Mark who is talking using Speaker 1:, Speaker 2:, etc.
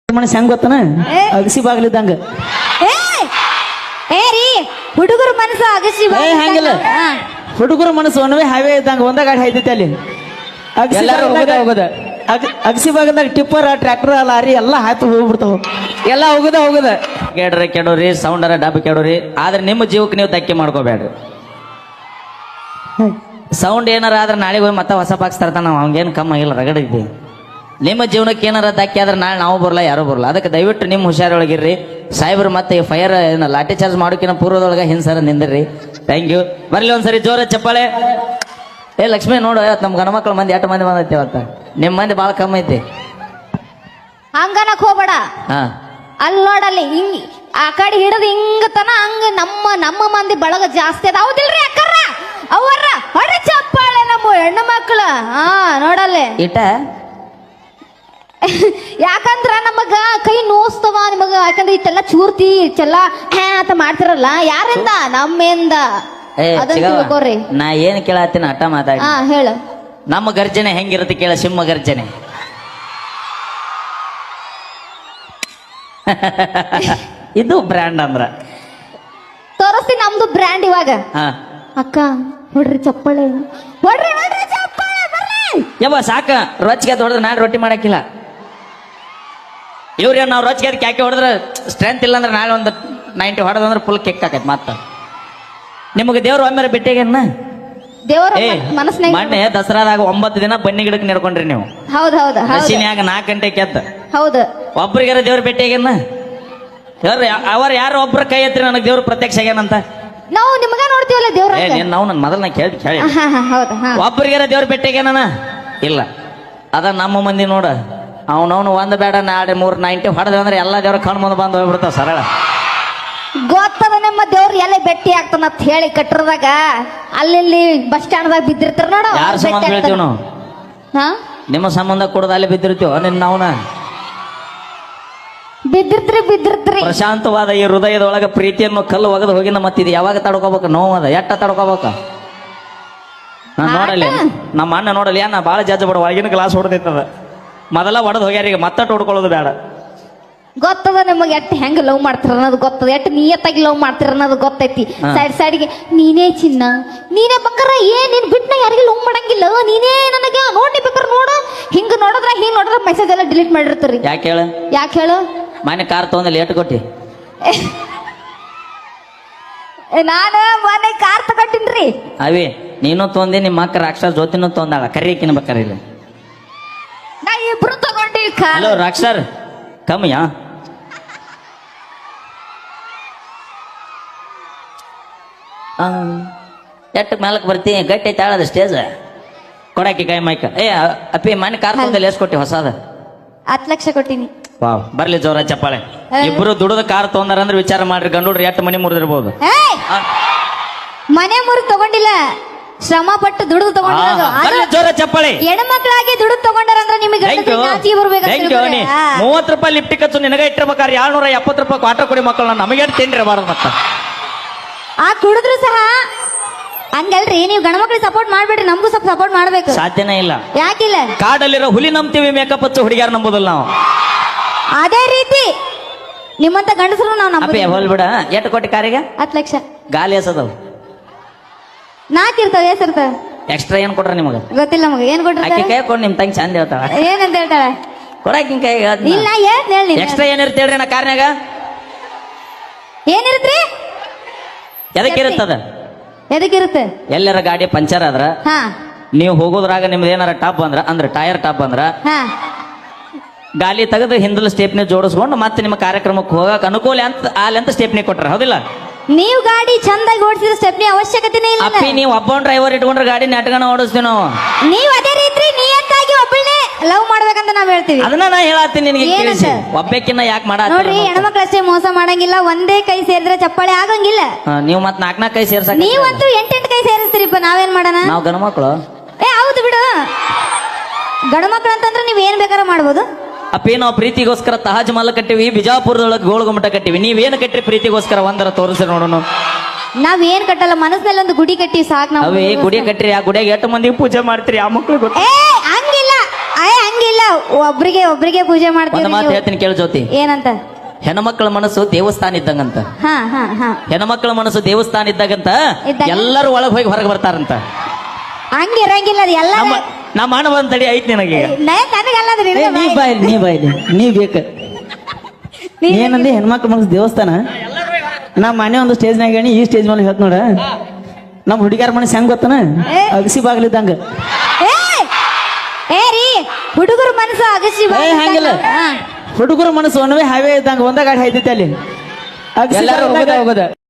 Speaker 1: ಮನಸ್ಸು ಹೆಂಗ್ ಗೊತ್ತನ ಅಗಸಿ ಬಾಗ್ಲಿದ್ದಂಗ
Speaker 2: ಹುಡುಗರ ಮನಸ್ಸು ಅಗಸಿ
Speaker 1: ಹಂಗಿಲ್ಲ ಹುಡುಗರ ಮನಸ್ಸು ಒಣವೆ ಹಾವೇ ಇದ್ದಂಗ ಒಂದ ಗಾಡಿ ಹಾಯ್ತೈತಿ ಅಲ್ಲಿ ಹೋಗದ ಅಗಸಿ ಬಾಗದಾಗ ಟಿಪ್ಪರ್ ಟ್ರ್ಯಾಕ್ಟರ್ ಲಾರಿ ಎಲ್ಲ ಹಾಯ್ತು ಹೋಗ್ಬಿಡ್ತಾವ ಎಲ್ಲ ಹೋಗದ ಕೇಳ್ರಿ ಕೆಡೋರಿ ಸೌಂಡರ ಡಬ್ಬ ಕೆಡೋರಿ ಆದ್ರೆ ನಿಮ್ಮ ಜೀವಕ್ಕೆ ನೀವು ಧಕ್ಕೆ ಮಾಡ್ಕೋಬೇಡ್ರಿ ಸೌಂಡ್ ಏನಾರ ಆದ್ರೆ ನಾಳೆಗೆ ಹೋಗಿ ಮತ್ತೆ ಹೊಸ ಬಾಕ್ಸ್ ತರ್ತಾನ ನಾವು ಹಂಗೇನು ಕಮ್ಮ ಆಗಿಲ್ಲ ರಗಡ ಇದ್ದೀವಿ ನಿಮ್ಮ ಜೀವನಕ್ಕೆ ಏನಾರ ಧಕ್ಕೆ ಆದ್ರೆ ನಾಳೆ ನಾವು ಬರಲ್ಲ ಯಾರು ಬರಲ್ಲ ಅದಕ್ಕೆ ದಯವಿಟ್ಟು ನಿಮ್ಮ ಹುಷಾರೊಳಗಿರ್ರಿ ಸಾಹೇಬ್ರು ಮತ್ತೆ ಫೈರ್ ಲಾಠಿ ಚಾರ್ಜ್ ಮಾಡೋಕಿನ ಪೂರ್ವದೊಳಗೆ ಹಿಂಸರ ನಿಂದಿರ್ರಿ ಥ್ಯಾಂಕ್ ಯು ಬರ್ಲಿ ಒಂದ್ಸರಿ ಜೋರ ಚಪ್ಪಾಳೆ ಏ ಲಕ್ಷ್ಮಿ ನೋಡು ನಮ್ಮ ಗಣ ಮಕ್ಳ ಮಂದಿ 8 ಮಂದಿ ಬಂದೈತಿ ಅವತ್ತ ನಿಮ್ಮ ಮಂದಿ ಭಾಳ ಕಮ್ಮಿ ಐತಿ
Speaker 2: ಹಂಗನಕ್ ಹೋಗ್ಬೇಡ
Speaker 1: ಹಾ
Speaker 2: ಅಲ್ಲಿ ನೋಡಲ್ಲಿ ಹಿಂಗ್ ಆ ಕಡೆ ಹಿಡಿದು ಹಿಂಗತನ ಹಂಗ ನಮ್ಮ ಮಂದಿ ಬಳಗ ಜಾಸ್ತಿ ಅದ ಹೌದಿಲ್ರಿ ಅಕ್ಕರ ಅವರ ಹೊಡೆ ಚಪ್ಪಾಳೆ ನಮ್ಮ ಹೆಣ್ಣು ಮಕ್ಕಳ ಹಾ ನೋಡಲ್ಲಿ
Speaker 1: ಇಟ
Speaker 2: ಯಾಕಂದ್ರ ನಮಗ ಕೈ ನೋಸ್ತವ ನಿಮಗ ಯಾಕಂದ್ರೆ ಇಷ್ಟೆಲ್ಲ ಚೂರ್ತಿ ಇಷ್ಟೆಲ್ಲ ಅಂತ ಮಾಡ್ತಿರಲ್ಲ ಯಾರಿಂದ ನಮ್ಮಿಂದ ಅದನ್ನ ತಿಳ್ಕೊರಿ
Speaker 1: ನಾ ಏನ್ ಕೇಳತ್ತೀನಿ ಅಟ್ಟ ಮಾತಾಡಿ
Speaker 2: ಹಾ ಹೇಳು
Speaker 1: ನಮ್ಮ ಗರ್ಜನೆ ಹೆಂಗಿರುತ್ತೆ ಕೇಳ ಸಿಂಹ ಗರ್ಜನೆ ಇದು ಬ್ರ್ಯಾಂಡ್ ಅಂದ್ರ
Speaker 2: ತೋರಿಸ್ತೀನಿ ನಮ್ದು ಬ್ರ್ಯಾಂಡ್ ಇವಾಗ
Speaker 1: ಹಾ
Speaker 2: ಅಕ್ಕ ಹೊಡ್ರಿ ಚಪ್ಪಾಳೆ ಹೊಡ್ರಿ ಚಪ್ಪಾಳೆ ಬರ್ರಿ
Speaker 1: ಯವ್ವ ಸಾಕ ರೊಚ್ಚಿಗೆ ಹೊಡೆದ್ರೆ ನಾಳೆ ರೊಟ್ಟಿ ಮಾಡಕ್ಕಿಲ್ಲ ಇವ್ರ ನಾವು ರೊಚ್ಚಿಗೆ ಕ್ಯಾಕೆ ಹೊಡೆದ್ರೆ ಸ್ಟ್ರೆಂತ್ ಇಲ್ಲ ಅಂದ್ರೆ ನಾಳೆ ಒಂದು 90 ಹೊಡೆದಂದ್ರೆ ಫುಲ್ ಕೆಕ್ ಆಕೈತಿ ಮತ್ತ ನಿಮಗೆ ದೇವ್ರು ಒಮ್ಮೆ ಭೇಟಿಯಾಗೇನ
Speaker 2: ದೇವರ ಮನಸ್ಸಿನಾಗ
Speaker 1: ಮೊನ್ನೆ ದಸರಾದಾಗ 9 ದಿನ ಬನ್ನಿ ಗಿಡಕ್ಕೆ ನಡ್ಕೊಂಡ್ರಿ ನೀವು
Speaker 2: ಹೌದು
Speaker 1: ಹಸಿನ್ಯಾಗ 4 ಗಂಟೆಗೆ ಎದ್ದ
Speaker 2: ಹೌದು
Speaker 1: ಒಬ್ರಿಗಾರ ದೇವ್ರ ಭೇಟಿಯಾಗೇನ ಅವ್ರ ಯಾರು ಒಬ್ರ ಕೈ ಎತ್ರಿ ನನಗೆ ದೇವ್ರು ಪ್ರತ್ಯಕ್ಷ ಆಗ್ಯಾನಂತ
Speaker 2: ನಾವು ನಿಮಗ ನೋಡ್ತೀವಲ್ಲ ದೇವ್ರ
Speaker 1: ನಾವು ನನ್ನ ಮೊದಲು ನಾ ಕೇಳಿ
Speaker 2: ಹೌದು
Speaker 1: ಒಬ್ರಿಗಾರ ದೇವ್ರ ಭೇಟಿಯಾಗೇನ ಇಲ್ಲ ಅದ ನಮ್ಮ ಮಂದಿ ನೋಡ ಅವನವನು ಒಂದ್ ಬೇಡ ನಾಳೆ 390 ಹೊಡೆದ ಅಂದ್ರೆ ಎಲ್ಲ ದೇವ್ರ ಕಣ್ ಮುಂದೆ ಬಂದು ಹೋಗ್ಬಿಡ್ತಾವ ಸರಳ
Speaker 2: ಗೊತ್ತದ ನಿಮ್ಮ ದೇವ್ರು ಎಲ್ಲ ಭೇಟಿ ಆಗ್ತಾನಂತ ಹೇಳಿ ಕಟ್ಟರದಾಗ ಅಲ್ಲಿ ಬಸ್ ಸ್ಟ್ಯಾಂಡ್ದಾಗ ಬಿದ್ದಿರ್ತಾರ ನೋಡು
Speaker 1: ಯಾರ ಸಂಬಂಧ ಬೀಳ್ತೀವಿ ನಾವು ನಿಮ್ಮ ಸಂಬಂಧ ಕೊಡೋದು ಅಲ್ಲಿ ಬಿದ್ದಿರ್ತೀವ ನಾವ್ನ
Speaker 2: ಬಿದ್ದಿರ್ತ್ರಿ
Speaker 1: ಪ್ರಶಾಂತವಾದ ಈ ಹೃದಯದೊಳಗ ಪ್ರೀತಿಯನ್ನು ಕಲ್ಲು ಒಗದು ಹೋಗಿನ ಮತ್ತಿದ್ ಯಾವಾಗ ತಡ್ಕೋಬೇಕು ನೋವದ ಎಟ್ಟ ತಡ್ಕೋಬೇಕ ನೋಡಲಿ ನಮ್ಮ ಅಣ್ಣ ನೋಡಲಿ ನಾ ಭಾಳ ಜಜ್ಜ ಬಿಡ ಒಳಗಿನ ಗ್ಲಾಸ್ ಹೊಡೆದೈತದ ಮೊದಲ ಒಡೆದು ಹೋಗ್ಯಾರ ಈಗ ಮತ್ತೆ ಹೊಡ್ಕೊಳ್ಳೋದು ಬೇಡ
Speaker 2: ಗೊತ್ತದ ನಿಮಗೆ ಎಟ್ಟು ಹೆಂಗ್ ಲವ್ ಮಾಡ್ತಾರ ಅನ್ನೋದು ಗೊತ್ತದ ಎಟ್ಟು ನಿಯತ್ತಾಗಿ ಲವ್ ಮಾಡ್ತಾರ ಅನ್ನೋದು ಗೊತ್ತೈತಿ ಸೈಡ್ಗೆ ನೀನೇ ಚಿನ್ನ ನೀನೇ ಬಂಗಾರ ನೀನ್ ಬಿಟ್ನ ಯಾರಿಗೆ ಲವ್ ಮಾಡಂಗಿಲ್ಲ ನೀನೇ ನನಗೆ ನೋಡಿ ಬೇಕಾರೆ ನೋಡು ಹಿಂಗ್ ನೋಡಿದ್ರ ಮೆಸೇಜ್ ಎಲ್ಲ ಡಿಲೀಟ್ ಮಾಡಿರ್ತೀರಿ ಯಾಕೆ ಹೇಳು
Speaker 1: ಮನೆ ಕಾರ್ ತಗೊಂಡ್ ಲೇಟ್ ಕೊಟ್ಟಿ
Speaker 2: ನಾನು ಮನೆ ಕಾರ್ ತಗೊಂಡಿನ್ರಿ
Speaker 1: ಅವಿ ನೀನು ತೊಂದಿ ನಿಮ್ಮ ಅಕ್ಕ ರಾಕ್ಷಸ ಜೊತೆನೂ ತೊಂದಾಳ ಕರಿಯಕಿನ ಬೇಕಾರಿಲ್ಲ
Speaker 2: ನಾ ಇಬ್ರು ತಗೊಂಡಿ
Speaker 1: ಹಲೋ ರಾಕ್ಷಸರ್ ಕಮ್ಮಿಯಾ ಎಟ್ಟು ಮೇಲಕ್ಕೆ ಬರ್ತೀನಿ ಗಟ್ಟಿ ತಾಳದ ಸ್ಟೇಜ್ ಕೊಡಾಕಿ ಕೈ ಮೈಕ ಅಪ್ಪಿ ಮನೆ ಕಾರ್ ತಗೊಂಡಲ್ಲಿ ಎಷ್ಟು ಕೊಟ್ಟಿ ಹೊಸದ
Speaker 2: 10 ಲಕ್ಷ ಕೊಟ್ಟಿನಿ
Speaker 1: ವಾವ್ ಬರ್ಲಿ ಜೋರ ಚಪ್ಪಾಳೆ ಇಬ್ರು ದುಡದ ಕಾರ್ ತಗೊಂಡಾರ ಅಂದ್ರೆ ವಿಚಾರ ಮಾಡ್ರಿ ಗಂಡೋಡ್ರಿ ಎಷ್ಟು ಮನೆ ಮುರಿದಿರ್ಬೋದು
Speaker 2: ಮನೆ ಮುರಿದು ತಗೊಂಡಿಲ್ಲ ಶ್ರಮ ಪಟ್ಟು ದುಡಿದು ತಗೊಂಡಿರೋದು
Speaker 1: ಜೋರ ಚಪ್ಪಾಳೆ
Speaker 2: ಹೆಣ್ಮಕ್ಳಾಗಿ ದುಡಿದು ತಗೊಂಡಾರಂದ್ರೆ ನಿಮಗೆ
Speaker 1: 30 ರೂಪಾಯಿ ಲಿಫ್ಟಿ ಖರ್ಚು ನಿನಗ ಇಟ್ಟಿರ್ಬೇಕಾದ್ರೆ 270 ರೂಪಾಯಿ ಕ್ವಾರ್ಟರ್ ಕೊಡಿ ಮಕ್ಕಳು ನಮಗೆ ತಿನ್ರಿ ಬಾರದು ಮತ್ತ
Speaker 2: ಆ ಕುಡಿದ್ರು ಸಹ ಹಂಗಲ್ರಿ ನೀವು ಗಣಮಕ್ಳಿಗೆ ಸಪೋರ್ಟ್ ಮಾಡ್ಬೇಡ್ರಿ ನಮಗೂ ಸ್ವಲ್ಪ ಸಪೋರ್ಟ್ ಮಾಡ್ಬೇಕು
Speaker 1: ಸಾಧ್ಯನೇ ಇಲ್ಲ
Speaker 2: ಯಾಕಿಲ್ಲ
Speaker 1: ಕಾಡಲ್ಲಿರೋ ಹುಲಿ ನಂಬ್ತೀವಿ ಮೇಕಪ್ ಹಚ್ಚು ಹುಡುಗಿಯಾರ ನಂಬೋದಿಲ್ಲ ನಾವು
Speaker 2: ಅದೇ ರೀತಿ ನಿಮ್ಮಂತ ಗಂಡಸರು ನಾವು ನಂಬಿ
Speaker 1: ಹೋಲ್ಬಿಡ ಎಷ್ಟು ಕೊಟ್ಟಿ ಕಾರಿಗೆ
Speaker 2: 10 ಲಕ್ಷ
Speaker 1: ಗಾಲಿ ಎಸದವು
Speaker 2: 4 ಇರ್ತಾವ ಎಷ್ಟಿರ್ತಾವ
Speaker 1: ಎಕ್ಸ್ಟ್ರಾ ಏನ್ ಕೊಟ್ರ ನಿಮಗ
Speaker 2: ಗೊತ್ತಿಲ್ಲ ನಮಗೆ ಏನ್ ಕೊಟ್ರ
Speaker 1: ಆಕಿ ಕೈ ಕೊಡ್ ನಿಮ್ ತಂಗಿ ಚಂದ ಹೇಳ್ತಾಳ
Speaker 2: ಏನಂತ ಹೇಳ್ತಾಳೆ
Speaker 1: ಕೊಡಾಕಿನ ಕೈ
Speaker 2: ಇಲ್ಲ ಹೇಳಿ
Speaker 1: ಎಕ್ಸ್ಟ್ರಾ ಏನಿರುತ್ತೆ ಹೇಳ್ರಿ ನಾ ಕಾರ್ನ್ಯಾಗ
Speaker 2: ಏನಿರುತ್ರಿ ಎದಕ್ಕಿರುತ್ತೆ
Speaker 1: ಎಲ್ಲರ ಗಾಡಿ ಪಂಚರ್ ಆದ್ರ ನೀವು ಹೋಗೋದ್ರಾಗ ನಿಮ್ದು ಏನಾರ ಟಾಪ್ ಬಂದ್ರ ಅಂದ್ರೆ ಟೈರ್ ಟಾಪ್ ಬಂದ್ರ ಗಾಲಿ ತೆಗೆದು ಹಿಂದಲ ಸ್ಟೇಪ್ನಿ ಜೋಡಿಸ್ಕೊಂಡು ಮತ್ತೆ ನಿಮ್ಮ ಕಾರ್ಯಕ್ರಮಕ್ಕೆ ಹೋಗಕ್ ಅನುಕೂಲ ಅಂತ ಸ್ಟೇಪ್ನಿ ಕೊಟ್ರ ಹೌದಿಲ್ಲ
Speaker 2: ನೀವು ಗಾಡಿ ಚಂದಾಗಿ ಓಡಿಸಿದ್ರೆ ಸ್ಟೆಪ್ನಿ ಅವಶ್ಯಕತೆನೇ ಇಲ್ಲ
Speaker 1: ಅಪ್ಪಿ ನೀವು ಒಬ್ಬ ಡ್ರೈವರ್ ಇಟ್ಕೊಂಡ್ರೆ ಗಾಡಿ ನೆಟ್ಗನ ಓಡಿಸ್ತೀವಿ ನಾವು
Speaker 2: ನೀವು ಅದೇ ರೀತಿ ನಿಯತ್ತಾಗಿ ಒಬ್ಬಳೇ ಲವ್ ಮಾಡ್ಬೇಕಂತ ನಾವ್ ಹೇಳ್ತೀವಿ
Speaker 1: ಅದನ್ನ ನಾ ಹೇಳತ್ತೀನಿ ನಿನಗೆ ಒಬ್ಬಕ್ಕಿನ್ನ ಯಾಕೆ ಮಾಡ
Speaker 2: ನೋಡ್ರಿ ಹೆಣ್ಮಕ್ಳಷ್ಟೇ ಮೋಸ ಮಾಡಂಗಿಲ್ಲ ಒಂದೇ ಕೈ ಸೇರಿದ್ರೆ ಚಪ್ಪಾಳೆ ಆಗಂಗಿಲ್ಲ
Speaker 1: ನೀವು ಮತ್ 4 ಕೈ ಸೇರ್ಸಕ್
Speaker 2: ನೀವಂತೂ 8 ಕೈ ಸೇರಿಸ್ತೀರಿಪ್ಪ ನಾವೇನ್ ಮಾಡೋಣ
Speaker 1: ನಾವು ಗಣಮಕ್ಳು
Speaker 2: ಹೌದು ಬಿಡು ಗಣಮಕ್ಳು ಅಂತಂದ್ರೆ ನೀವ್ ಏನ್ ಬೇಕಾರ ಮಾಡ್ಬೋದು
Speaker 1: ಅಪ್ಪಿ ನಾವು ಪ್ರೀತಿಗೋಸ್ಕರ ತಾಜ್ ಮಹಲ್ ಕಟ್ಟಿವಿ ಬಿಜಾಪುರದೊಳಗೆ ಗೋಳಗುಮ್ಮಟ ಕಟ್ಟಿವಿ ನೀವೇನು ಕಟ್ಟಿ ಪ್ರೀತಿಗೋಸ್ಕರ ಒಂದರ ತೋರಿಸಿ ನೋಡೋಣ
Speaker 2: ನಾವೇನ್ ಕಟ್ಟಲ್ಲ ಮನಸ್ಸಿನಲ್ಲಿ ಒಂದು ಗುಡಿ ಕಟ್ಟಿ ಸಾಕು ನಾವು
Speaker 1: ಗುಡಿ ಕಟ್ಟ್ರಿ ಆ ಗುಡಿಯಾಗ 8 ಮಂದಿ ಪೂಜೆ ಮಾಡ್ತೀರಿ ಆ ಮಕ್ಳು
Speaker 2: ಹಂಗಿಲ್ಲ ಇಲ್ಲ ಒಬ್ರಿಗೆ ಪೂಜೆ
Speaker 1: ಒಂದು
Speaker 2: ಮಾಡ್ತೀವಿ
Speaker 1: ಮಾತು ಹೇಳ್ತೀನಿ ಕೇಳು ಜ್ಯೋತಿ.
Speaker 2: ಏನಂತ?
Speaker 1: ಹೆಣ್ಮಕ್ಳ ಮನಸ್ಸು ದೇವಸ್ಥಾನ ಇದ್ದಂಗಂತ.
Speaker 2: ಹಾ ಹಾ ಹಾ
Speaker 1: ಹೆಣ್ಮಕ್ಳ ಮನಸ್ಸು ದೇವಸ್ಥಾನ ಇದ್ದಾಗಂತ
Speaker 2: ಇದ್ದಾಗ?
Speaker 1: ಎಲ್ಲರೂ ಒಳಗ್ ಹೋಗಿ ಹೊರಗೆ ಬರ್ತಾರಂತ.
Speaker 2: ಹಂಗ ಇರಂಗಿಲ್ಲ ಅದು ಎಲ್ಲ
Speaker 1: ನಮ್ಮ ಅಣ್ಣ ಬಂದ್ ತಡಿ ಐತಿ ನಿನಗೆ.
Speaker 2: ನನಗಲ್ಲ ಅದು
Speaker 3: ಏ,
Speaker 2: ನಿನಗೆ
Speaker 3: ನೀ
Speaker 2: ಬಾಯಿ.
Speaker 3: ಬಾಯ್ಲಿ ನೀ ಬಾಯ್ಲಿ ನೀ ಬೇಕ ಏನಂದಿ ಹೆಣ್ಮಕ್ಳು ಮನಸ್ಸು ದೇವಸ್ಥಾನ. ನಾ ಮನೆ ಒಂದು ಸ್ಟೇಜ್ನಾಗ ಹೇಳಿ ಈ ಸ್ಟೇಜ್ ಮೇಲೆ ಹೇಳ್ತ ನೋಡ ನಮ್ಮ ಹುಡುಗಿಯರ ಮನಸ್ಸು ಹೆಂಗ್ ಗೊತ್ತನ
Speaker 2: ಏ.
Speaker 3: ಅಗಸಿ ಬಾಗ್ಲಿದ್ದಂಗ.
Speaker 2: ಏ ರೀ ಹುಡುಗರ ಮನಸ್ಸು ಅಗಸಿ
Speaker 3: ಏ ಹಂಗಿಲ್ಲ ಹುಡುಗರ ಮನಸ್ಸು ಒಣವೆ ಹಾವೇ ಇದ್ದಂಗ ಒಂದ ಗಾಡಿ ಹಾಯ್ತೈತಿ ಅಲ್ಲಿ ಅಗಸಿ
Speaker 1: ಎಲ್ಲರೂ
Speaker 3: ಬಾಗ್ಲಿದ್ದಾಗ
Speaker 1: ಹೋಗೋದ